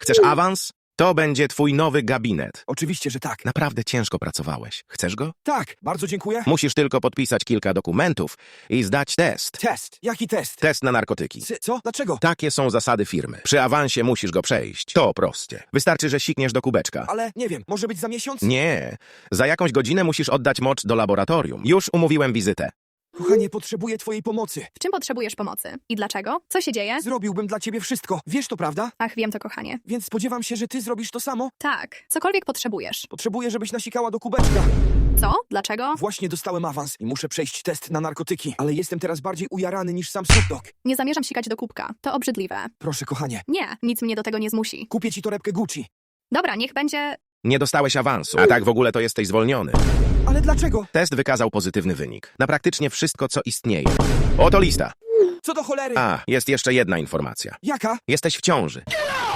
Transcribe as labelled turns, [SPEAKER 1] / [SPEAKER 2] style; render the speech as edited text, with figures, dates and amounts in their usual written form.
[SPEAKER 1] Chcesz awans? To będzie twój nowy gabinet.
[SPEAKER 2] Oczywiście, że tak.
[SPEAKER 1] Naprawdę ciężko pracowałeś. Chcesz go?
[SPEAKER 2] Tak, bardzo dziękuję.
[SPEAKER 1] Musisz tylko podpisać kilka dokumentów i zdać test.
[SPEAKER 2] Test. Jaki test?
[SPEAKER 1] Test na narkotyki.
[SPEAKER 2] Co? Dlaczego?
[SPEAKER 1] Takie są zasady firmy. Przy awansie musisz go przejść. To proste. Wystarczy, że sikniesz do kubeczka.
[SPEAKER 2] Ale nie wiem, może być za miesiąc?
[SPEAKER 1] Nie. Za jakąś godzinę musisz oddać mocz do laboratorium. Już umówiłem wizytę.
[SPEAKER 2] Kochanie, potrzebuję twojej pomocy.
[SPEAKER 3] W czym potrzebujesz pomocy? I dlaczego? Co się dzieje?
[SPEAKER 2] Zrobiłbym dla ciebie wszystko. Wiesz to, prawda?
[SPEAKER 3] Ach, wiem to, kochanie.
[SPEAKER 2] Więc spodziewam się, że ty zrobisz to samo.
[SPEAKER 3] Tak, cokolwiek potrzebujesz.
[SPEAKER 2] Potrzebuję, żebyś nasikała do kubeczka.
[SPEAKER 3] Co? Dlaczego?
[SPEAKER 2] Właśnie dostałem awans i muszę przejść test na narkotyki, ale jestem teraz bardziej ujarany niż sam Snoop Dogg.
[SPEAKER 3] Nie zamierzam sikać do kubka. To obrzydliwe.
[SPEAKER 2] Proszę, kochanie,
[SPEAKER 3] Nie, nic mnie do tego nie zmusi.
[SPEAKER 2] kupię ci torebkę Gucci.
[SPEAKER 3] Dobra, niech będzie...
[SPEAKER 1] Nie dostałeś awansu, a tak w ogóle to jesteś zwolniony.
[SPEAKER 2] Ale dlaczego?
[SPEAKER 1] Test wykazał pozytywny wynik. Na praktycznie wszystko, co istnieje. Oto lista.
[SPEAKER 2] Co do cholery?
[SPEAKER 1] A, jest jeszcze jedna informacja.
[SPEAKER 2] Jaka?
[SPEAKER 1] Jesteś w ciąży.